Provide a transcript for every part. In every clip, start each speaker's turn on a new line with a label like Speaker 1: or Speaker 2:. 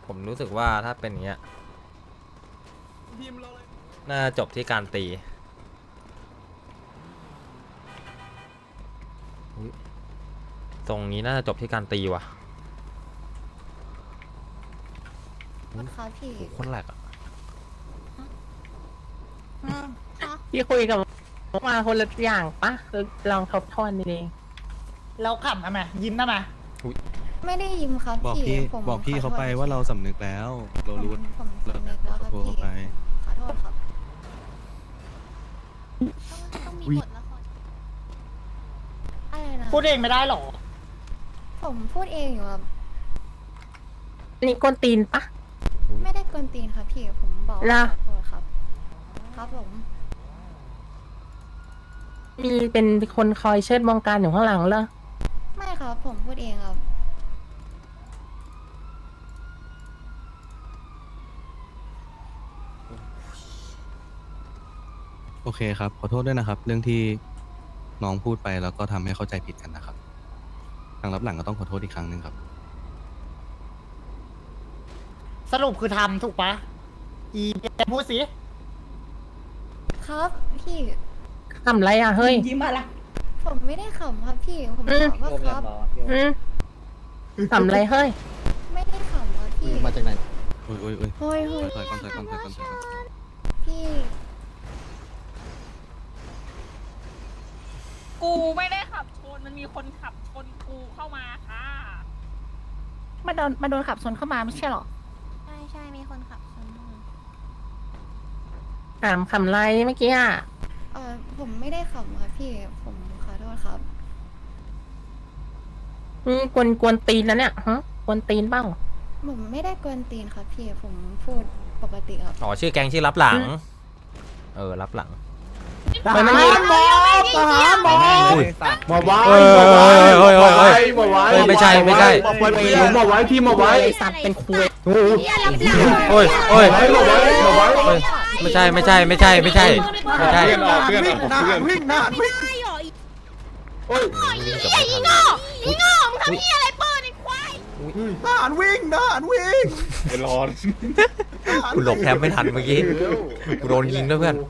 Speaker 1: ผมรู้สึกว่าถ้าเป็นอย่างเงี้ยน่าจบที่การตีตรงนี้น่าจะจบที่การตีว่ะ
Speaker 2: ครับพี่
Speaker 1: คนแหลกอ่ะ
Speaker 3: พี่คุยกับมาคนละอย่างปะลองทบทวนดี
Speaker 4: เราขำทำไมยิ้มทำไม
Speaker 2: ไม่ได้ยิ้มครับ
Speaker 5: บอก
Speaker 2: พี่
Speaker 5: พี่
Speaker 2: ผม
Speaker 5: บอกพี่เขาไปว่าเราสำนึกแล้ว เรารู้
Speaker 2: ผมสำนึกแล้วครับ
Speaker 5: ขอโทษ
Speaker 2: พี่
Speaker 5: เขาไป
Speaker 2: ขอโทษครับต้องมีบทละครอะไรนะ
Speaker 4: พูดเองไม่ได้หรอ
Speaker 2: ผมพูดเองอยู่ครับ
Speaker 3: ๆนี่กวนตีนปะ
Speaker 2: ไม่ได้กวนตีนครับพี่ผมบอก
Speaker 3: ล่ะ
Speaker 2: ขอโทษครับ ครับผม
Speaker 3: มีเป็นคนคอยเชิดบงการอยู่ข้างหลังเหรอ
Speaker 2: ไม่ครับผมพูดเองครับ
Speaker 5: โอเคครับ ขอโทษด้วยนะครับ เรื่องที่น้องพูดไปแล้วก็ทำให้เข้าใจผิดกันนะครับทางรับหลังก็ต้องขอโทษอีกครั้งหนึ่งครับ
Speaker 4: สรุปคือทำถูกปะอีพูดสิ
Speaker 2: ครับพี่
Speaker 3: ทำไรอ่ะเฮ้ย
Speaker 4: ยิ้มอะไร
Speaker 2: ผมไม่ได้ขำครับพี่ผม
Speaker 3: อืม
Speaker 2: บอกว่าครับ
Speaker 3: อืมทำไรเฮ้ย
Speaker 2: ไม่ได้ขำครับพี่
Speaker 6: มาจากไหน
Speaker 5: โอ้ยโอ้ยโอ้ย
Speaker 2: เฮ้ยเฮ้ย
Speaker 5: ถอยก่อนถอยก่อนถอยก่อนถอยก่อน
Speaker 2: พี่
Speaker 7: กูไม่ได้ขับชน มันมีคนขับชนกูเข้ามาค่ะ
Speaker 8: มาโดนขับชนเข้ามาไม่ใช่หรอ
Speaker 2: ใช่ใช่มีคนขับชนมา
Speaker 3: ถามคำไรเมื่อกี้อ่ะ
Speaker 2: ผมไม่ได้ขำครับพี่ผมขอโทษครับ
Speaker 3: กวนตีนนะเนี่ยฮะกวนตีนเปล่า
Speaker 2: ผมไม่ได้กวนตีนครับพี่ผมพูดปกติครับ
Speaker 1: อ๋อชื่อแกงชื่อรับหลัง รับหลัง
Speaker 3: ไม่มันยิง
Speaker 4: ทหารหมอ
Speaker 1: อุ้ย
Speaker 6: มาไว้
Speaker 1: เฮ้ย
Speaker 6: มาไว้
Speaker 1: เฮ้ยเฮ้ยเฮ้ย
Speaker 6: มาไว้
Speaker 1: เฮ้ยไม่ใช่ไม่ใช่
Speaker 6: มาไว้พี่มาไว้พี่มาไว้
Speaker 3: ไอสัตว์เป็นคุย
Speaker 6: โอ้โห
Speaker 1: โอ้ยโอ้ย
Speaker 6: มาไว้มาไว้
Speaker 1: เฮ้ยไม่ใช่ไม่ใช่ไม่ใช่ไม่ใช่ไม่ใช่
Speaker 6: เพื่อนผมเพื่อนวิ่งนะวิ่งโอ้ย
Speaker 1: อีโง่อีโง่มึงทำนี่อะไร
Speaker 6: ทหารวิ่งทหารวิ่ง
Speaker 1: กูหลบแทบไม่ทันเมื่อกี้กูโดนยิงด้วยเพื่อน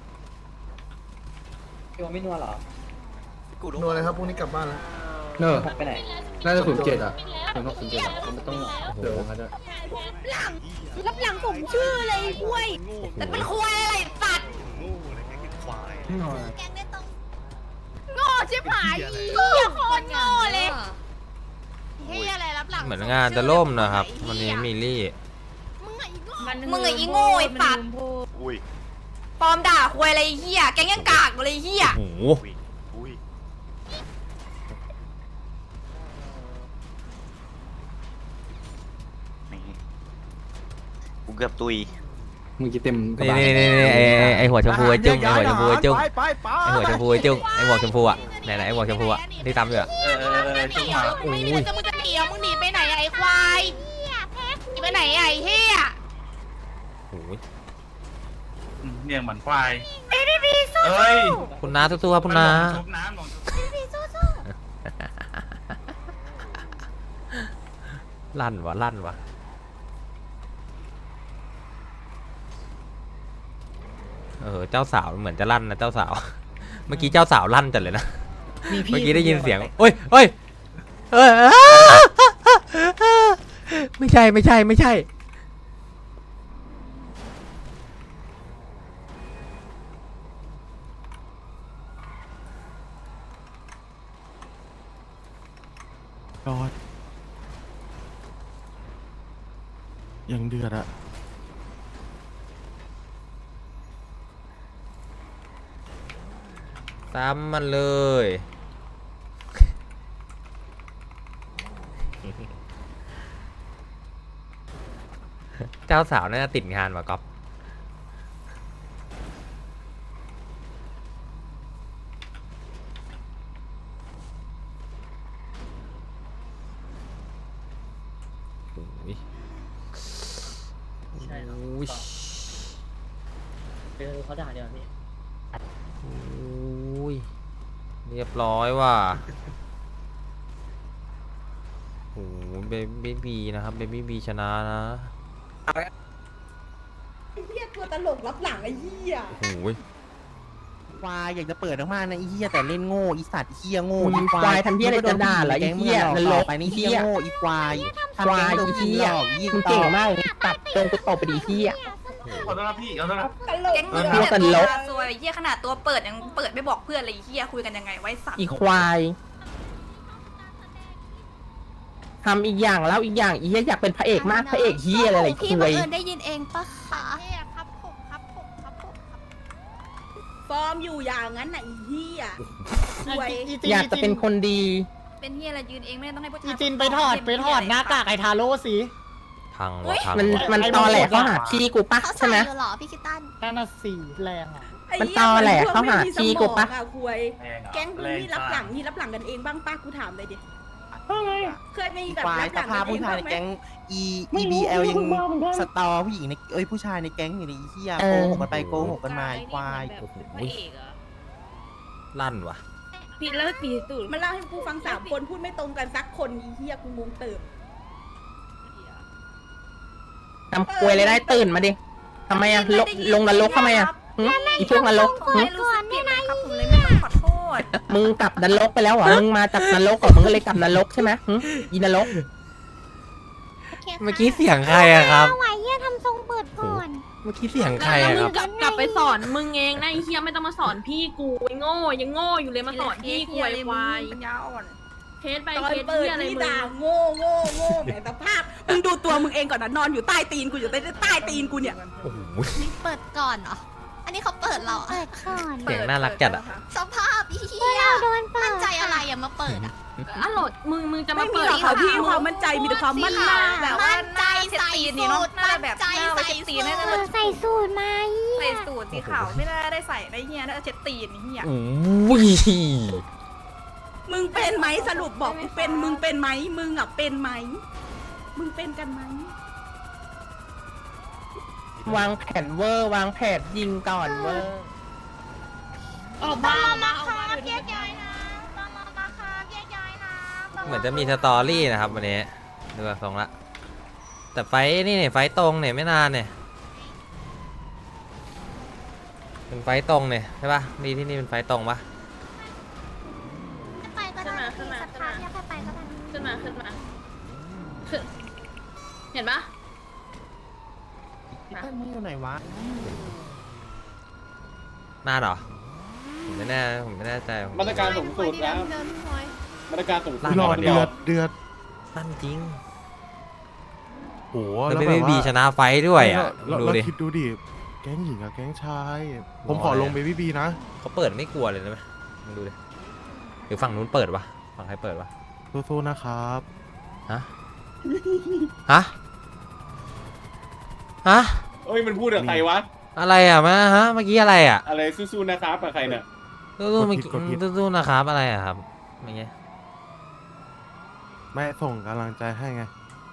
Speaker 6: นัวเลยครับพรุ่งนี้กลับบ้านแล้ว
Speaker 9: เนอะน่าจะ07อ่ะเป็นพวก07อ่ะมันต้องเดี๋ยวงั้นอะ
Speaker 8: รับหลังผมชื่อเลยคุยแต่เป็นคุยอะไรสัตว์โง่ชิบหายเหี้ยโคตรโง่เลยเฮียอะไรรับหลัง
Speaker 1: เหมือนงานจะล่มนะครับวันนี้มิลลี่
Speaker 8: มึงไอ้อีโง่ไอ้สัตว์ปลอมด่าคุยอะไรเฮียแกงยังกากเลยเฮีย
Speaker 1: โอ้โห
Speaker 10: กูเกือบตุย
Speaker 9: มึงจะเต็มกระ
Speaker 1: นี่
Speaker 9: บะ
Speaker 1: นี่ไอหัวชมพูไอจุ้งไอหัวชมพูไอจุ้ง
Speaker 6: ไปไป
Speaker 1: ไอหัวชมพูไอจุ้งไอหมวกชมพูอ่ะไหนไอหมวกชมพูอ่ะที่ตามอยู่อ่ะ
Speaker 8: จุ๊บมาไม่ได้จะมึงจะหนีมึงหนีไปไหนไอ้ควายหนีไปไหนไอ้เฮีย
Speaker 1: โอ้ย
Speaker 10: เนี่ยเหมือนควาย
Speaker 8: เอ้ย
Speaker 1: คุณน้าสู้ๆครับคุณน้า
Speaker 10: ชุบน้ำลง
Speaker 1: ลั่นวะลั่นวะเจ้าสาวเหมือนจะลั่นนะเจ้าสาว เมื่อกี้เจ้าสาวลั่นจัดเลยนะ เมื่อกี้ได้ยินเสียงโอ้ยโอ้ยไม่ใช่ไม่ใช่ไม่ใช่
Speaker 5: ยอดยังเดือดอะ
Speaker 1: ซ้ำมันเลย เจ้าสาวน่าจะติดงานว่ะก๊อฟโอ้ย
Speaker 4: ใช่หรอ
Speaker 1: โอ้ย
Speaker 4: เขาด่าเดี๋ยวนี้
Speaker 1: โอ้ยเรียบร้อยว่ะโอ้ยเบบี้บีนะครับเบบี้บีชนะนะ
Speaker 6: เฮียตัวตลกรับหลังไอ้เฮีย
Speaker 1: โอ้โห
Speaker 3: ควายอยากจะเปิดมากๆนะไอ้เหี้ยแต่เล่นโง่อีสัตว์เหี้ยโง่อีควายทำเหี้ยอะไรจะด่าเหรอไอ้เหี้ยนรกไปนี่เหี้ยโง่อีควายควายอีเหี้ยมึงเก่งมากตัดตรงกูตบไปดีเหี้ย
Speaker 10: ขอต้อนรับพี่ขอต้อนรับ
Speaker 6: ตลก
Speaker 8: แก๊งมึง
Speaker 3: เหี้ย
Speaker 8: เนี่ย
Speaker 3: ตลก
Speaker 8: ซวยเหี้ยขนาดตัวเปิดยังเปิดไม่บอกเพื่อนเลยไอ้เหี้ยคุยกันยังไงไว้สัตว์
Speaker 3: อีควายทำอีกอย่างแล้วอีกอย่างอีเหี้ยอยากเป็นพระเอกมากพระเอกเหี้ยอะไร
Speaker 2: พี่
Speaker 3: คุ
Speaker 2: บัง
Speaker 3: ย
Speaker 2: เอิญได้ยินเองปะคะ
Speaker 6: ฟอร์มอยู่อย่างนั้นน่ะไอ้เฮียสวย
Speaker 3: อยากจะเป็นคนดี
Speaker 8: เป็นเหี้ยอะไรยืนเองไม่ต้องให้ผู้ชาย
Speaker 4: อีจินไปถอดหน้ากากไอ้ทาโร่สิ
Speaker 1: พังวะพัง
Speaker 3: มัน
Speaker 1: วะ
Speaker 3: ตอแหลเขาหาพี่กูปะ
Speaker 2: เขา
Speaker 3: ใช่
Speaker 2: ใส่
Speaker 3: ไหม
Speaker 2: อยู่เหรอพี่คิตตัน
Speaker 4: นั่นน่ะสีแรงอ่ะ
Speaker 6: ไอ้
Speaker 3: มัน
Speaker 6: เหี้ย
Speaker 3: ตอแหลเขาหา
Speaker 6: พวไม่มี
Speaker 3: พี่กูปะ
Speaker 6: สมองอคุย
Speaker 10: แรงอะ
Speaker 6: แก๊งมึงนี่รับหลังนี่รับหลังกันเองบ้างป้ากูถามเลยดิเคยมีแบบ
Speaker 3: ควาย
Speaker 6: รับห
Speaker 3: ส
Speaker 6: ลัง
Speaker 3: ภา
Speaker 6: กั
Speaker 3: พ
Speaker 6: นเอง
Speaker 3: ผู้ชาย
Speaker 6: บ้าง
Speaker 3: ใน
Speaker 6: ไหม
Speaker 3: แก๊ง EBL ยังสตอผู้หญิงในผู้ชายในแก๊งอยู่ในเหี้ยโกหกกันไปโกหกกันมาควาย
Speaker 1: โอ้โหลั่นวะ
Speaker 6: ผิดแล้วปีตูดมันเล่าให้กูฟัง3 คนพูดไม่ตรงกันสักคนอีเฮียกูงงเติบ
Speaker 3: ทำควยเลยได้ตื่นมาดิทำไมอะลงนรกทำไมอะหึอีพวกนรกหึ
Speaker 8: ไม่รู้สึกผิดเลยครับผมเลยไม่ต้องขอโทษ
Speaker 3: มึงกลับนรกไปแล้วเหรอ มึงมาจากนรกเหรอมึงก็เลยกลับนรกใช่ไหมหึอีนรก
Speaker 1: เมื่อกี้เสียงใครอะครับ
Speaker 2: ไหวเฮียทำทรงเปิดก่อน
Speaker 1: เมื่อกี้เสียงใครอะครับ
Speaker 7: กลับไปสอนมึงเองนะไอ้เฮียไม่ต้องมาสอนพี่กูไอ้โง่ยังโง่อยู่เลยมาสอนพี่กูไอ้ควาย
Speaker 8: ปัญญาอ่อน
Speaker 7: เทสไป
Speaker 6: ตอน
Speaker 7: เทส
Speaker 6: เปิด
Speaker 7: เฮียอะไร
Speaker 6: นี่
Speaker 7: มึง
Speaker 6: ด่าโง่แหมสภาพมึงดูตัวมึงเองก่อนนะนอนอยู่ใต้ตีนกูอยู่ใต้ตีนกูเนี่ย
Speaker 1: โอ้โห
Speaker 2: นี่เปิดก่อนเหรอ อันนี้เขาเปิดเราเปิดก่อน
Speaker 1: เสียงน่ารักจัดอะ
Speaker 2: สภาพเฮียมั่นใจอะไรอะมาเปิดอะ
Speaker 7: อ่ะโหลดมึงจะ
Speaker 6: ไม่
Speaker 7: มา
Speaker 6: มี
Speaker 7: เปิด
Speaker 6: หรอกค่ะพี่ความมั่นใจมีแต่ความมั่นหน้า
Speaker 8: แบบว่าหน้าเช็ดตีนนี่เนาะหน้าแบบหน้าไว้เช็ดตีนน่าจะ
Speaker 2: ใส่สูตรมา
Speaker 8: ใส่สูทสีขาวไม่ได้ได้ใส่ได้เฮียน่าจะเช็ดตีนนี่เฮีย
Speaker 1: โอ้ย
Speaker 6: มึงเป็นไหมสรุปบอกกูเป็นมึงเป็นไหมมึงอ่ะเป็นไหมมึงเป็นกันไหม
Speaker 3: วางแผนเวอร์วางแผนยิงก่อนเวอร์
Speaker 7: ออกมาออกมาออกมา
Speaker 2: แยกย้ายนะตอนมาค่ะแยกย้ายนะ
Speaker 1: เหมือนจะมีสตอรี่นะครับวันนี้ดูจากทรงละ แต่ไฟนี่เนี่ยไฟตรงเนี่ยไม่นานเนี่ยเป็นไฟตรงเนี่ยใช่ปะนี่ที่นี่เป็นไฟตรงปะ
Speaker 2: ไปก็ได้สถานที่ไปก็ได้
Speaker 7: ขึ้นมาขึ้นเห็นปะ
Speaker 3: มึงอยู่ไหนวะ
Speaker 1: นานเหรอผมไม่แน่ใจ
Speaker 9: มาตรการสูงสุดแล้วมาตรการสูงสุด
Speaker 1: ลั่น
Speaker 5: รอ
Speaker 1: วัน
Speaker 5: เดื
Speaker 1: เดียว
Speaker 5: อดเดือด
Speaker 1: ลั่นจริง
Speaker 5: โห
Speaker 1: แล้ว
Speaker 5: แบบ
Speaker 1: ไม่
Speaker 5: ว่า
Speaker 1: บีชนะไฟด้วยอ่ะ
Speaker 5: เรา
Speaker 1: ดู
Speaker 5: เรา
Speaker 1: ดิ
Speaker 5: คิดดูดิ แก๊งหญิงกับแก๊งชาย ผม
Speaker 1: รอ
Speaker 5: ขอลง
Speaker 1: เลย
Speaker 5: เบบี้บีนะ
Speaker 1: เขาเปิดไม่กลัวเลยนะไหมมึงดูดิหรือฝั่งนู้นเปิดวะฝั่งใครเปิดวะ
Speaker 5: สู้ๆนะครับ
Speaker 1: ฮะฮะฮะ
Speaker 9: เอ้ยมันพูดกับใครวะ
Speaker 1: อะไรอ่ะมาฮะเมื่อกี้อะไรอ่ะ
Speaker 9: อะไรสู้ๆนะครับกับใครเนี่ย
Speaker 1: สู้ๆเมื่อกี้สู้ๆนะครับอะไรอ่ะครับเมื่อกี้
Speaker 5: แม่ส่งกำลังใจให้ไง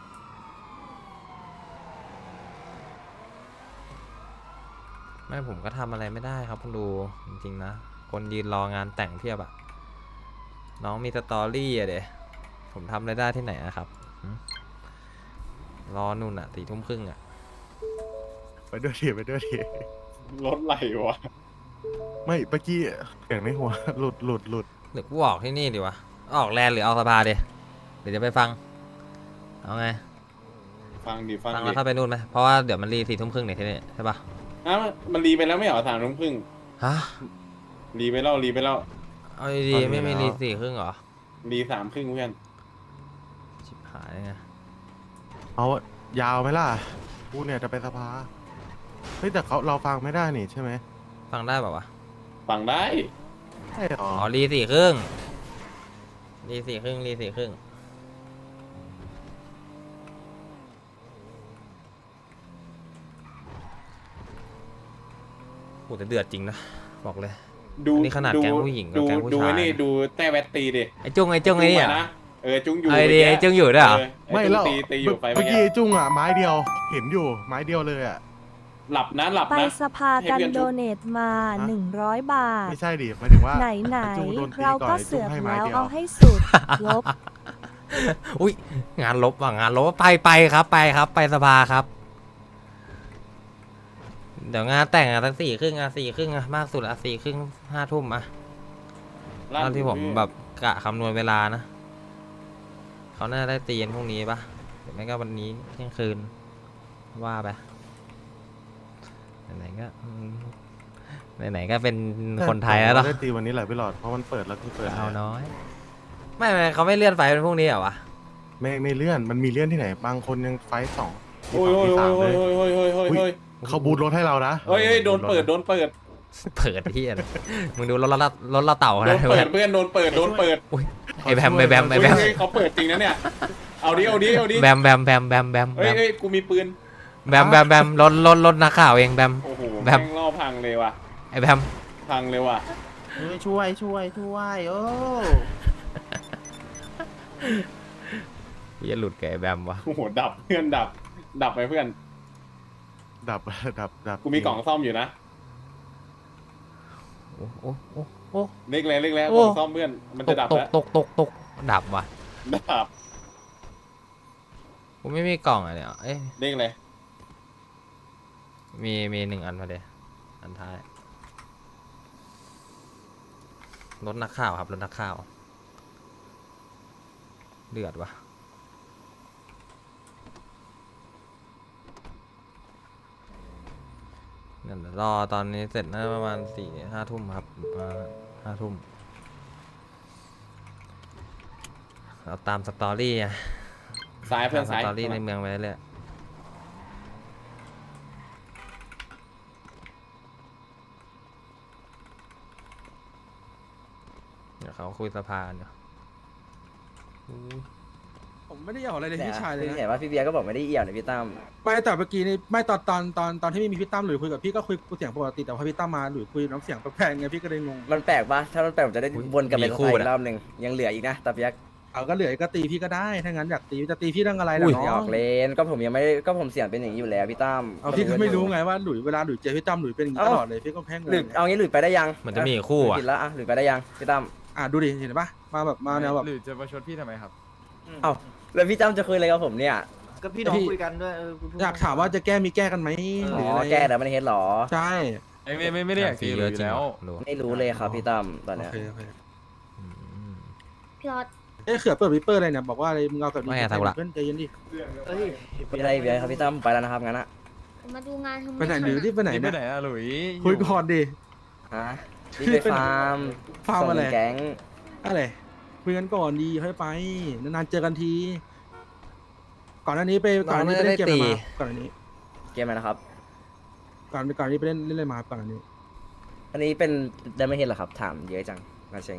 Speaker 1: ไม่ผมก็ทำอะไรไม่ได้ครับคุณดูจริงๆนะคนยืนรองานแต่งเพียบอะน้องมีสตอรี่อะเดี๋ยผมทำอะไรได้ที่ไหนอะครับหึรอนู่นอะ4 ทุ่มครึ่งอะ
Speaker 5: ไปด้วยทีไปด้วยที
Speaker 9: รถไหลวะ
Speaker 5: ไม่เมื่อกี้เสียงในหัว หลุด
Speaker 1: หรือกูออกที่นี่ดีวะออกแลนด์หรือเอาสภาเดี๋ยวจะไปฟังเอาไง
Speaker 9: ฟังดิ
Speaker 1: ฟังแล้วเข้าไปนู่นไหมเพราะว่าเดี๋ยวมันรี4 ทุ่มครึ่งเนี่ยที่นี่ใช่ปะ
Speaker 9: อ้าวมันรีไปแล้วไม่เหรอ3 ทุ่มครึ่ง
Speaker 1: ฮะ
Speaker 9: รีไปแล้ว
Speaker 1: เอาดีๆไม่มีรี4 ครึ่งเหรอ
Speaker 9: รี3 ครึ่งเพื่อน
Speaker 1: ชิบหายไง
Speaker 5: เอายาวไหมล่ะกูเนี่ยจะไปสภา เฮ้ยแต่เราฟังไม่ได้นี่ใช่ไหม
Speaker 1: ฟังได้ป่าวะ
Speaker 9: ฟังได้
Speaker 5: ใช่หรอ
Speaker 1: อ๋อรี4 ครึ่งรี4 ครึ่งรี4 ครึ่งโหแต่เดือดจริงนะบอกเลย
Speaker 9: ดู
Speaker 1: อันนี้ขนาดแก๊งผู้หญิงกับ
Speaker 9: ดู
Speaker 1: แก๊งผู้
Speaker 9: ดู
Speaker 1: ชาย
Speaker 9: ไอ้นี่
Speaker 1: นะ
Speaker 9: ดูแต้แวตตีดิ
Speaker 1: ไอ้จุ้งไอ้ไอ้เนี่ย
Speaker 9: นะจุ้งอยู่
Speaker 1: ไอ้ดีไอ้จุ้งอยู่ด้วยเหรอ
Speaker 5: ไม่
Speaker 9: แล้
Speaker 5: แล้ว ว
Speaker 9: ตีอยู่ไฟ
Speaker 5: เมื่อกี้ไอ้จุ้งอ่ะไม้เดียว เห็นอยู่ไม้เดียวเลยอ่ะ
Speaker 9: หลับนะ
Speaker 11: ไปสภากัน
Speaker 9: ให้เพื่อน
Speaker 11: โด
Speaker 9: จุ๊บ
Speaker 11: เนทมา 100 บาท
Speaker 5: ไม่ใช่ดิหมายถึงว่า
Speaker 11: ไหน
Speaker 5: ไอ้จุ้งโดนตี
Speaker 11: เรา
Speaker 5: ก่อน
Speaker 11: ก็
Speaker 5: ไอ้จุ้
Speaker 11: เสื
Speaker 5: ง
Speaker 11: อก
Speaker 5: ให้ไม้
Speaker 11: แล้ว
Speaker 5: เดียว
Speaker 11: เอาให้สุด ลบ
Speaker 1: อุ้ยงานลบว่ะงานลบไปครับไปครับ ไปสภาครับ เดี๋ยวงานแต่งอ่ะสัก4:30อ่ะมากสุดอ่ะ4:30 5 ทุ่มอ่ะตอนที่ผมแบบกะคำนวณเวลานะเขาน่าได้ตีกันพรุ่งนี้ปะหรือไม่ก็วันนี้เที่ยงคืนว่าไปไหนๆก็ไหนๆก็เป็นคนไทยแล้วเนาะ
Speaker 10: ได้ตีวันนี้แหละพี่หลอดเพราะมันเปิดแล้วที่เปิด
Speaker 1: เอาน้อยไม่เขาไม่เลื่อนไฟเป็นพรุ่งนี้เหรอวะ
Speaker 10: ไม่เลื่อนมันมีเลื่อนที่ไหนบางคนยังไฟท์2
Speaker 9: โอ้ย
Speaker 10: ตี
Speaker 9: โอ้ย
Speaker 10: 2ตี
Speaker 9: โอ้ย
Speaker 10: 3
Speaker 9: โอ้
Speaker 10: เลย ย
Speaker 9: โอ้ยโอ้ยโอ้ยโอ้ย
Speaker 10: เขาบูทรถให้เรานะ
Speaker 9: เฮ้ยโดนเปิด
Speaker 1: เปิดที่อะไรมึงดูรถเราเต่า
Speaker 9: โด
Speaker 1: นะ
Speaker 9: นเปิดเพื่อนโดนเปิด
Speaker 1: อุ้ยไอแบม
Speaker 9: เขาเปิดจริงนะเนี่ย เอาดิ
Speaker 1: แบม
Speaker 9: เฮ้ยกูมีปืน
Speaker 1: แบมรถนักข่าวเองแบม
Speaker 9: โอ้โห
Speaker 1: แบ
Speaker 9: แม่
Speaker 1: ม
Speaker 9: งล่อพังเลยว่ะ
Speaker 1: ไอแบม
Speaker 9: พังเลยว่ะ
Speaker 3: ช่วยโอ้
Speaker 1: อย่าหลุดกับไอแบมวะ
Speaker 9: โอ้โหดับเพื่อนดับไปเพื่อน
Speaker 10: ดับ
Speaker 9: กูมีกล่องซ่อมอยู่นะ
Speaker 1: โอ้
Speaker 9: เล็กแล้ว
Speaker 1: โอ้
Speaker 9: กล่องซ่อมเพื่อนมันจะดับแล้ว
Speaker 1: ตกดับว่ะ
Speaker 9: ดับ
Speaker 1: กูไม่มีกล่องอ่ะเนี่ยเอ้ย
Speaker 9: เล็กเลย
Speaker 1: มี1 อันมาเดี๋ยวอันท้ายรถนักข่าวครับรถนักข่าวเดือดวะนั่นรอตอนนี้เสร็จน่าประมาณ4-5 ทุ่มครับมา5 ทุ่มเราตามสตอรี่อะ
Speaker 9: ซ้ายเพื่อน
Speaker 1: ส
Speaker 9: ซ้าย
Speaker 1: ตอรี่ในเมืองไปเรื่อยเดี๋ยวเขาคุยสภากันอยู่
Speaker 3: ผมไม่ได้เอาอะไรเลยพี่ชายเลย
Speaker 12: พี่
Speaker 3: นะ
Speaker 12: เห็นว่าพี่เบียร์ก็บอกไม่ได้เอี่ยวนะพี่ตั้ม
Speaker 3: ไม่แต่เมื่อกี้นี่ไม่ตอนที่ไม่มีพี่ตั้มหรือคุยกับพี่ก็คุยเสียงปกติแต่พอพี่ตั้มมาหรือคุยน้ำเสียงแปลกๆไงพี่ก็เลยงง
Speaker 12: มันแปลกปะถ้ามันแปลกผมจะได้วนกลับไปสภาอีกรอบหนึ่งยังเหลืออีกนะตาเปียก
Speaker 3: เอาก็เหลือก็ตีพี่ก็ได้ถ้างั้นอยากตีจะตีพี่เรื่องอะไร
Speaker 1: อุ้
Speaker 3: ล่ะ
Speaker 1: ย
Speaker 3: น้
Speaker 12: อ
Speaker 3: อ
Speaker 12: อง กเลนก็ผมยังไม่ได้ก็ผมเสียงเป็นอย่างนี้อยู่แล้วพี่ตั้ม
Speaker 3: เอาพี่ก็ไม่รู้ไงว่าหลุยเวลาหลุยเจอพี่ตั้มหลุยเป็นอย่างนี้ตลอดเลยพี่ก็แพ้งง
Speaker 12: หลุดเอางี้หลุดไปได้ยัง
Speaker 1: เหมือนจะมีอีกคู่อ่ะ
Speaker 12: ผิดแล้วอ่ะหลุดไปได้ยังพี่ตั้ม
Speaker 3: ดูดิเห็นปะมาแบบมาแนวแบบ
Speaker 9: หรือจะมาชดพี่ทำไมครับ
Speaker 12: เอ้าแล้วพี่ตั้มจะคุยอะไรกับผมเนี่ย
Speaker 3: ก็พี่น้องคุยกันด้วยอยากถามว่าจะแก้มีแก้กันไหมห
Speaker 12: อ๋
Speaker 3: รือ
Speaker 12: อ
Speaker 3: อะไร
Speaker 12: แก้แต่มันเฮ็ดหรอ
Speaker 3: ใช่
Speaker 9: ไม่ได้อยากตีเลยอยู่แล้ว
Speaker 12: ไม่รู้เลยครับพี่ตั้มตอน
Speaker 3: โอ
Speaker 12: เนี้ย
Speaker 3: เคโอเค
Speaker 7: พี่รอด
Speaker 3: เขือเปิดวิปเปอร์อะไรเนี่ยบอกว่าอะไรมึงเอากับ
Speaker 1: ไม่ไงทำละ
Speaker 3: เพื่อนใจเย็นดิ
Speaker 12: พี่อะไรพี่อะไรครับพี่ตั้มไปแล้วนะครับงั้นอะ
Speaker 7: มาดูงานทำไม
Speaker 3: ไปไหนหรือที่ไปไหน
Speaker 9: ไป
Speaker 3: เนี่ย
Speaker 9: ไหนอะหลุย
Speaker 3: คุยก่อนดิ
Speaker 12: ฮะรีบไปฟาร์ม
Speaker 3: ฟาร์มอะไร
Speaker 12: ส่งแก๊ง
Speaker 3: อะไรคุยกันก่อนดีค่อยไปนานๆเจอกันที ก่อนหน้านี้ไปเล่นเกมอะไรมาก่อนหน้านี้
Speaker 12: เกมอะไรนะครับ
Speaker 3: ก่อนนี้ไปเล่นอะไรมาก่อนหน้านี้
Speaker 12: อันนี้เป็นไดมอนด์เฮดเหรอครับถามเยอะจังนาเชง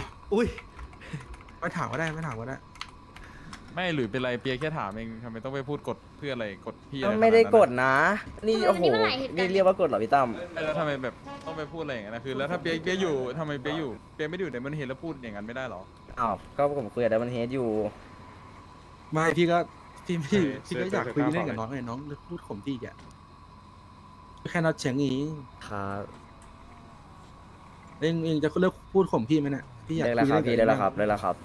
Speaker 3: ไม่ถามก็ได้ไม่ถามก็ได้
Speaker 9: ไม่หรือเป็นไรเปียแค่ถามเองทำไมต้องไปพูดกดเพื่ออะไรกดพี่อะไร
Speaker 12: ไม่ได้กด
Speaker 9: ขนานั้น
Speaker 12: นะ นี่โอ้โหนี่เรียกว่ากดเหรอพี่ตั้ม
Speaker 9: อะแล้วทำไมแบบต้องไปพูดอะไรอย่างนั้นนะคือแล้วถ้าเปียอยู่ทำไมเปียไม่ได้อยู่ในมันเห็นแล้วพูดอย่างนั้นไม่ได้หรอ
Speaker 12: อ้าวก็ผมคุยกับไดมอนด์เฮดอยู่
Speaker 3: ไม่พี่ก็พี่ก็
Speaker 9: เออ
Speaker 3: อยากคุย
Speaker 9: เออ
Speaker 3: เล่นกับน้องไงน้องพูดข่มพี่แกแค่นัดเฉียงเอง
Speaker 12: ครับ
Speaker 3: เองจะเลิกพูดข่มพี่ไหมเนี่ยพี่อยาก
Speaker 12: เลิกแล้ว
Speaker 3: คุย
Speaker 12: ครับ
Speaker 3: เล่นกับ
Speaker 12: พี่เลิกแล้วครับเลิกแล้วครับ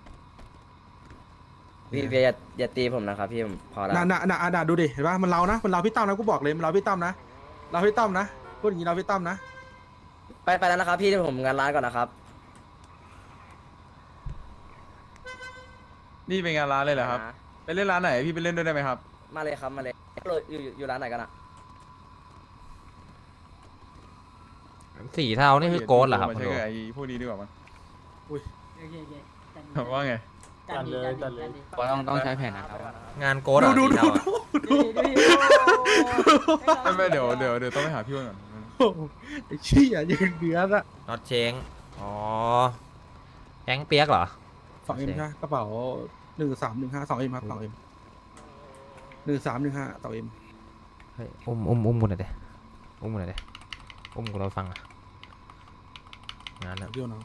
Speaker 12: พี่เบียร์อย่าตีผมนะครับพี่ผมพอแล้ว
Speaker 3: น่ะดูดิเห็นป่ะมันเรานะมันเราพี่ตั้มนะกูบอกเลยมันเราพี่ตั้มนะเราพี่ตั้มนะพูดอย่างนี้เราพี่ตั้มนะ
Speaker 12: ไปแล้วนะครับพี่เดี๋ยวผมงานร้านก่อนนะครับ
Speaker 9: นี่เป็นงานร้านเลยเหรอครับไปเล่นร้านไหนพี่ไปเล่นด้วยได้ไหมครับ
Speaker 12: มาเลยครับมาเลยอยู่ร้านไหนกันอะ
Speaker 1: สีเทานี่คือโกดเหรอครับ
Speaker 9: มา
Speaker 1: คุณ
Speaker 9: ใช้
Speaker 1: ดู
Speaker 9: กับไอ้พวกนี้ดีกว่ามั้ง
Speaker 3: อุ้ย
Speaker 9: ว่าไง
Speaker 5: ต้องใช้แผนนะครับ
Speaker 1: งานโกดเหรอสีเทาอะ
Speaker 9: ไม่เดี๋ยวต้องไปหาพี่อ้วนก่อน
Speaker 3: โอ้โหไอ้เชี่ยยังเดือดอะ
Speaker 1: น็อตเชงอ๋อแฮงเปียกเหรอ
Speaker 3: 2M ใช่ไหมกระเป๋า1315 2M ครับ 2M 1315 2M
Speaker 1: เฮ้ยอุ้มกูหน่อยดิอุ้มกูหน่อยดิอุ้มกูเราฟังอ่ะงานอะ
Speaker 3: พี่น้อง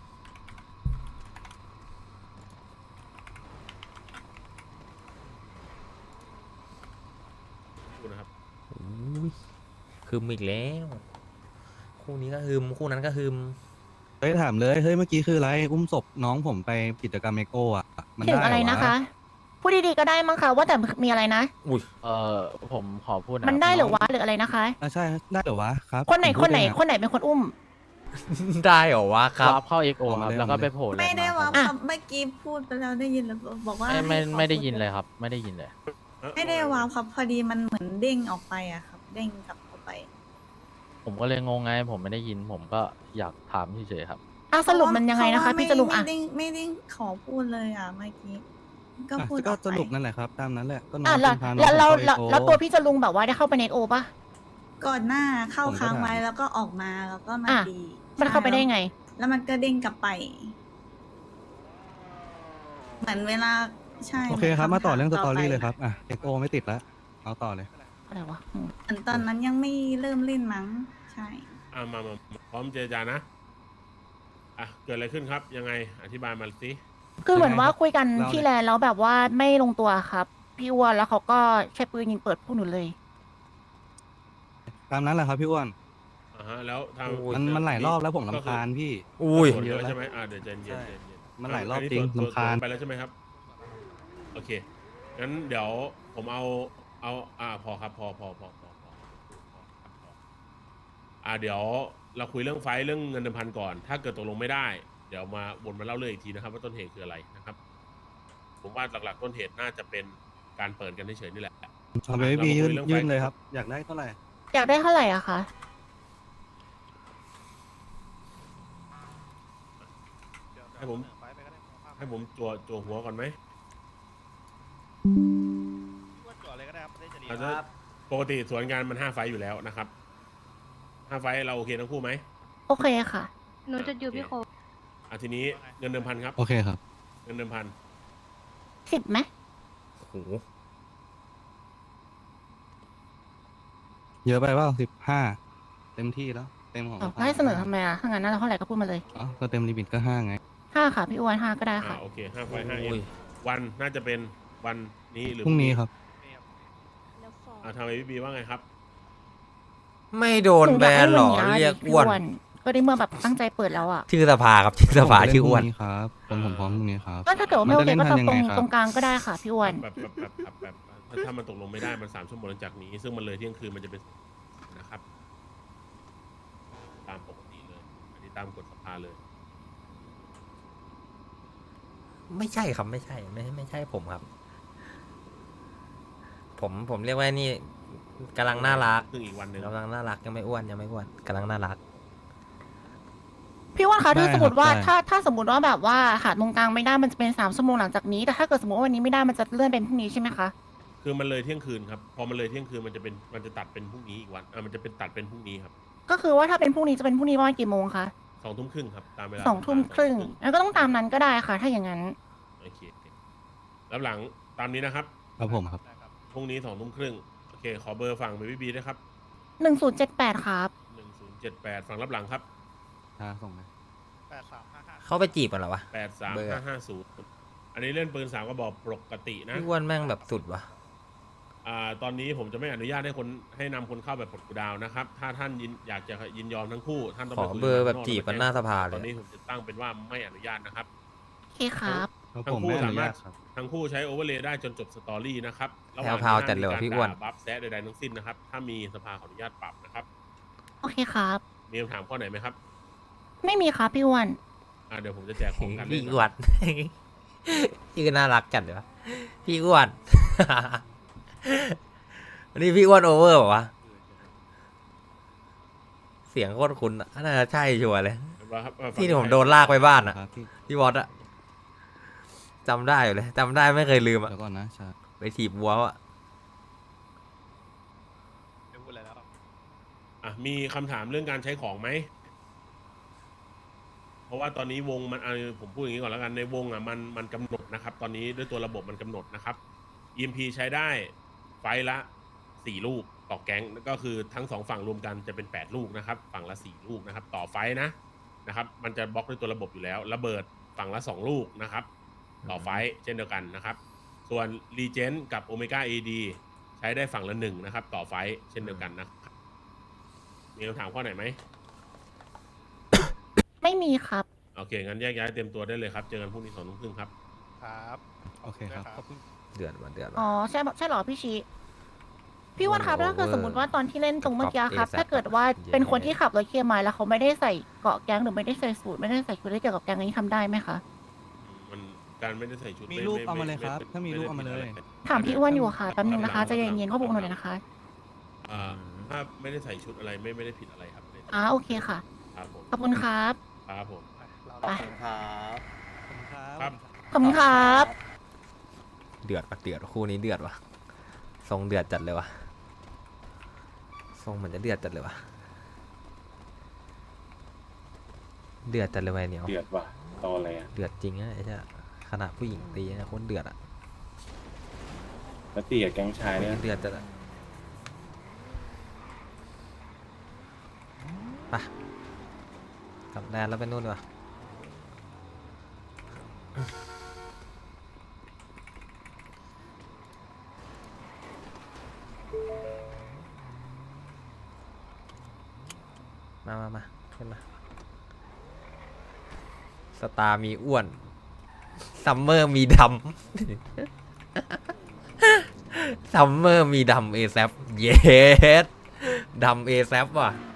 Speaker 1: อุ้ยฮึมอีกแล้ว คู่นี้ก็ฮึมคู่นั้นก็ฮึม
Speaker 5: ฮ้ยถามเลยเฮ้ยเมื่อกี้คืออะไรอุ้มศพน้องผมไปกิจกรรมเอ็กโออ่ะมัน
Speaker 4: ถึ
Speaker 5: ได้
Speaker 4: ง
Speaker 5: เหร
Speaker 4: อะไร
Speaker 5: อ
Speaker 4: นะคะ
Speaker 5: วะ
Speaker 4: พูดดีๆก็ได้มั้งคะว่าแต่มีอะไรนะ
Speaker 1: อุ้ย
Speaker 3: ผมขอพูดนะ
Speaker 4: มันได้หรือวะหรืออะไรนะคะ
Speaker 5: อ่ะใช่ได้เหรอวะครับ
Speaker 4: คนไหน
Speaker 5: ผม
Speaker 4: ค
Speaker 5: พู
Speaker 4: น
Speaker 5: ด
Speaker 4: ไหน
Speaker 5: เองอะ
Speaker 4: คนไหนเป็นคนอุ้ม
Speaker 1: ได้เหรอวะครับ
Speaker 3: เข้าเอ็กโอครับแล้วก็ไปโผล่
Speaker 6: ไม่ได้ว่า
Speaker 4: อ่ะ
Speaker 6: เมื่อกี้พูดไปแล้วได้ยินแล้วบอกว่า
Speaker 3: ไม่ได้ยินเลยครับ ไม่ได้ยินเลย
Speaker 6: ไม่ได้ว่าครับพอดีมันเหมือนเด้งออกไปอะครับ เด้งกลับเข้าไป
Speaker 3: ผมก็เลยงงไงผมไม่ได้ยินผมก็อยากถามเฉยๆครับ
Speaker 4: สรุปมันยังไงนะคะ
Speaker 6: เพราว่า
Speaker 4: พี่จะลุงอ่ะ
Speaker 6: ไม่ได้ขอพูดเลยอ่ะเมื่อกี้ก็พูด
Speaker 5: ก็
Speaker 6: ออก
Speaker 5: ส
Speaker 6: ไป
Speaker 5: รุปนั่นแหละครับตามนั้นแหละก็น้อง
Speaker 4: แล้ว
Speaker 5: คุณพาน้อง
Speaker 4: แล้ว
Speaker 5: ผม
Speaker 4: แล้ว
Speaker 5: เข้า
Speaker 4: แล้ว
Speaker 5: EXO
Speaker 4: ตัวพี่จะลุงแบบว่าได้เข้าไปในโอปะ
Speaker 6: ก่อนหน้าเข้า
Speaker 5: ผมก็
Speaker 6: ค้างไว้
Speaker 5: ถาม
Speaker 6: แล้วก็ออกมาแล้วก็มา
Speaker 4: อ่ะ
Speaker 6: ดี
Speaker 4: มันเข้าไปได้ไง
Speaker 6: แล้วมันก็เด้งกลับไป เหมือนเวลาใช่
Speaker 5: โอเคครับมาต่อเรื่องสตอรี่
Speaker 6: ไป
Speaker 5: เลยครับอ่ะเอ็กโอไม่ติดแล้วเอาต่อเลย
Speaker 4: อะไรวะ
Speaker 6: เหมือนตอนนั้นยังไม่เริ่มเล่นมั้งใช่
Speaker 13: มาพร้อมเจรจานะเกิดอะไรขึ้นครับยังไงอธิบายมาสิ
Speaker 4: คือเหมือนว่าคุยกัน
Speaker 5: เล่าเลย
Speaker 4: ที่แลนด์แล้วแบบว่าไม่ลงตัวครับ พี่อ้วนแล้วเขาก็ใช้ปืนยิงเปิดพวกหนูเลย
Speaker 5: ตามนั้นแหละครับพี่อ้วน
Speaker 13: แล้วทาง
Speaker 5: มันหลายรอบแล้วผมรำคาญพี่
Speaker 1: อุ้ย
Speaker 13: ส่วน
Speaker 5: เย
Speaker 13: เย
Speaker 5: อะ
Speaker 13: อะ
Speaker 5: แล้ว
Speaker 13: ใช่ไหมเดี๋ยวเย็น
Speaker 5: ใช่
Speaker 13: เย็น
Speaker 5: มันหลายรอบจริงรำคาญ
Speaker 13: ไปแล้วใช่ไหมครับโอเคงั้นเดี๋ยวผมเอาพอครับพอเดี๋ยวเราคุยเรื่องไฟท์เรื่องเงินเดิมพันก่อน ถ้าเกิดตกลงไม่ได้ เดี๋ยวมาวนมาเล่าเรื่องอีกทีนะครับว่าต้นเหตุคืออะไรนะครับ ผมว่าหลักๆต้นเหตุน่าจะเป็นการเปิดกันเฉยๆนี่แหละ
Speaker 5: เอาไปไม่มียื่นเลยครับ อยากได้เท่าไหร่
Speaker 4: อยากได้เท่าไหร่อะคะ
Speaker 13: ให้ผมจั่วหัวก่อนไหมอาจจะปกติสวนงานมัน5 ไฟต์อยู่แล้วนะครับ5 ไฟต์เราโอเคทั้งคู่ไหม
Speaker 4: โอเคค่ะ
Speaker 7: หนูจะอยู่พี่โค
Speaker 13: ทีนี้เงินเดิมพันครับ
Speaker 5: โอเคครับ
Speaker 13: เงินเดิมพัน
Speaker 4: 10ไหม
Speaker 1: โอ้โห
Speaker 5: เยอะไปเปล่า15เต็มที่แล้วเต็มของ
Speaker 4: อ้าวแล้วให้เสนอทำไมอะถ้างั้นน่าจะเท่าไหร่ก็พูดมาเลย
Speaker 5: อ๋อก็เต็มลิมิตก็5ไง
Speaker 4: 5 ค่ะ พี่อ้วน5ก็ได้ค่ะ
Speaker 13: โอเค5 ไฟต์5 เอ็มวันน่าจะเป็นวันนี้หรือ
Speaker 5: พรุ่งนี้ครับ
Speaker 13: ทางไอพีบีว่าไงครับ
Speaker 1: ไม่โดนแบนหรอเรียกอ้วน
Speaker 4: ก็ได้เมื่อแบบตั้งใจเปิดแล้วอะ
Speaker 1: ชื่อสภาครับชื่อสภาชื่ออ้วน
Speaker 5: ผมเล่พรุ่งครับผมพร้อมพรุ่งนี้ครับ
Speaker 4: ก็ถ้าเกิดว่าไม่โอเคก็
Speaker 5: มัน
Speaker 4: ต
Speaker 5: จะ
Speaker 4: รง
Speaker 5: เล่นทันยังไงครับ
Speaker 4: ตรงกลางก็ได้ค่ะพี่อ้วน
Speaker 13: แบบถ้ามันตกลงไม่ได้มัน3 ชั่วโมงหลังจากนี้ ซึ่งมันเลยเที่ยงคืนมันจะเป็นนะครับ ตามปกติเลยอันนี้ตามกฎสภาเลย
Speaker 1: ไม่ใช่ครับไม่ใช่ไม่ใช่ผมครับ ผมเรียกว่านี่กำลังน่ารัก
Speaker 13: ซึ่งอีกวันหนึ่ง
Speaker 1: กำลังน่ารักยังไม่อ้วนกำลังน่ารัก
Speaker 4: พี่อ้วนคะ
Speaker 5: ได้
Speaker 4: ถ้าสมมติว่า
Speaker 5: ครับได้
Speaker 4: ถ้าสมมติว่าแบบว่าหาตรงกลางไม่ได้มันจะเป็น3 ชั่วโมงหลังจากนี้ แต่ถ้าเกิดสมมติว่าวันนี้ไม่ได้มันจะเลื่อนเป็นพรุ่งนี้ใช่ไหมคะ
Speaker 13: คือมันเลยเที่ยงคืนครับ พอมันเลยเที่ยงคืนมันจะตัดเป็นพรุ่งนี้อีกวันมันจะเป็นตัดเป็นพรุ่งนี้ครับ
Speaker 4: ก็คือว่าถ้าเป็นพรุ่งนี้จะเป็นพรุ่งนี้ประมาณกี่โมงคะ
Speaker 13: 2 ทุ่มครึ่งครับตามเวลา
Speaker 4: 2 ทุ่มครึ่งแล้วก็ต้องตามนั้นก็ได้ค่ะ ถ้าอย่างนั้น
Speaker 13: โอเคแล้วหลังตามนี้นะครับ
Speaker 5: ครับผมครับ
Speaker 13: พรุ่งนี้2 ทุ่มครึ่งโอเคขอเบอร์ฝั่งเบบี้บีด้วยครับ
Speaker 4: 1078ครับ
Speaker 13: 1078ฝั่งรับหลังครับ
Speaker 5: ส่งไหม
Speaker 1: เขาไปจีบกันเหรอวะ เบอร์
Speaker 13: 83550อันนี้เล่นปืน3 กระบอกปกตินะ
Speaker 1: พี่อ้วนแม่งแบบสุดวะ
Speaker 13: ตอนนี้ผมจะไม่อนุญาตให้นำคนเข้าแบบปลดกูดาวนะครับ ถ้าท่านอยากจะยินยอมทั้งคู่ท่านต้อง
Speaker 1: ข
Speaker 13: ไป
Speaker 1: อ
Speaker 13: คุย
Speaker 1: เบอร์
Speaker 13: กั
Speaker 1: แบบจีบกันหน้าสภา
Speaker 13: ต
Speaker 1: เล
Speaker 13: อน
Speaker 1: ย
Speaker 13: นี้ผมจะตั้งเป็นว่าไม่อนุญาตนะครับ
Speaker 4: โอเคครับ
Speaker 5: ครับ
Speaker 13: ทั้
Speaker 5: ผ
Speaker 13: ง
Speaker 5: ม
Speaker 13: คู่
Speaker 5: ไม่อ
Speaker 13: สา
Speaker 5: นุ
Speaker 13: มา
Speaker 5: ญาร ต
Speaker 13: ถ
Speaker 5: ครับ
Speaker 13: ทั้งคู่ใช้โอเวอร์เลย์ได้จนจบสตอรี่นะครับระห
Speaker 1: แพ
Speaker 13: ว่าง
Speaker 1: รว
Speaker 13: ที่
Speaker 1: ๆจัดเลยว่ะพี่อ้วน
Speaker 13: มีการด่าบัฟแซะใดๆทั้งสิ้นนะครับ ถ้ามีสภาขออนุญาตปรับนะครับ
Speaker 4: โอเคครับ
Speaker 13: มีคำถามข้อไหนไหมครับ
Speaker 4: ไม่มีครับพี่อ้วน
Speaker 13: เดี๋ยวผมจะแจกของกัน
Speaker 1: พี่
Speaker 13: เลย
Speaker 1: อ้วน ชื่อน่ารักจัดเลยวะพี่อ้วน วันนี้พี่อ้วนโอเวอร์ป่าวะเสียงโคตรคุ้นอะน่าจะใช่ชัวร์เลย ที่ผมโดนลากไปบ้านอะ
Speaker 5: ครับพี่
Speaker 1: พี่วอตอะจำได้อยู่เลยจำได้ไม่เคยลืมอะ
Speaker 5: เดี๋ยวก่อนนะชา
Speaker 1: ไปถีบวัวอะ
Speaker 13: มีคำถามเรื่องการใช้ของไหม เพราะว่าตอนนี้วงมันผมพูดอย่างนี้ก่อนแล้วกันในวงมันกำหนดนะครับ ตอนนี้ด้วยตัวระบบมันกำหนดนะครับ EMP ใช้ได้ไฟล์ละ4 ลูกต่อแก๊งก็คือทั้ง2ฝั่งรวมกันจะเป็น8 ลูกนะครับฝั่งละ4 ลูกนะครับต่อไฟล์นะครับมันจะบล็อกด้วยตัวระบบอยู่แล้วระเบิดฝั่งละ2 ลูกนะครับต่อไฟล์เช่นเดียวกันนะครับส่วนรีเจนกับโอเมก้า AD ใช้ได้ฝั่งละ1นะครับต่อไฟล์เช่นเดียวกันนะครับมีคำถามข้อไหนไหม
Speaker 4: ไม่มีครับ
Speaker 13: โอเคงั้นแยกย้ายเตรียมตัวได้เลยครับเจอกันพรุ่งนี้2 ทุ่มครึ่งครับ
Speaker 10: ครับ
Speaker 5: โอเคครับขอบคุณ
Speaker 1: เดือดว่ะเดือด
Speaker 4: อ๋อ
Speaker 1: ว่ะ
Speaker 4: ใช่เหรอพี่ชีพี่อ้วันครับ
Speaker 1: โอ้โห
Speaker 4: ถ้าเกิดสมมติว่าตอนที่เล่นตรงเมื่อกี้ครับ
Speaker 1: กับ
Speaker 4: ถ้าเกิดว่า
Speaker 1: เย้
Speaker 4: เป็นคนที่ขับรถเคลียร์ไม้แล้วเขาไม่ได้ใส่เกราะแก๊งหรือไม่ได้ใส่สูทไม่ได้ใส่ชุดที่เกี่ยวกับแก๊งนี้ทำได้ไหมคะ
Speaker 13: มันการไม่ได้ใส่ชุด
Speaker 5: มีรูปเอามาเลยครับถ้ามีรูปเอามาเลย
Speaker 4: ถามพี่อ้วนอยู่ค่ะแป๊บนึงนะคะใจะเย็นๆข้อมูลหน่อยนะคะ
Speaker 13: ถ้าไม่ได้ใส่ชุดอะไรไม่ได้ผิดอะไรครับ
Speaker 4: โอเคค่ะ
Speaker 13: ครับผม
Speaker 4: ขอบคุณครับ
Speaker 13: ครับผม
Speaker 4: ไป
Speaker 13: ครับ
Speaker 4: ขอบคุณครับ
Speaker 1: เดือดว่ะเดือดว่ะคู่นี้เดือดว่ะทรงเดือดจัดเลยว่ะทรงเหมือนจะเดือดจัดเลยว่ะเดือดจัดเลยว่ะไอ้เหนียว
Speaker 10: เดือดว่ะตออะไรอ่ะ
Speaker 1: เดือดจริงนะไอ้เจ้าขนาดผู้หญิงตีนะโคตรเดือดอ่ะ
Speaker 10: แล้วตีกับแก๊งชายเนี่ย
Speaker 1: เดือดจัดอะไปกลับแดนแล้วไปนู่นดีกว่ามาขึ้นมาสตาร์มีอ้วนซัมเมอร์มีดำซัมเมอร์มีดำเอแซฟเยสดำเอแซฟว่ะ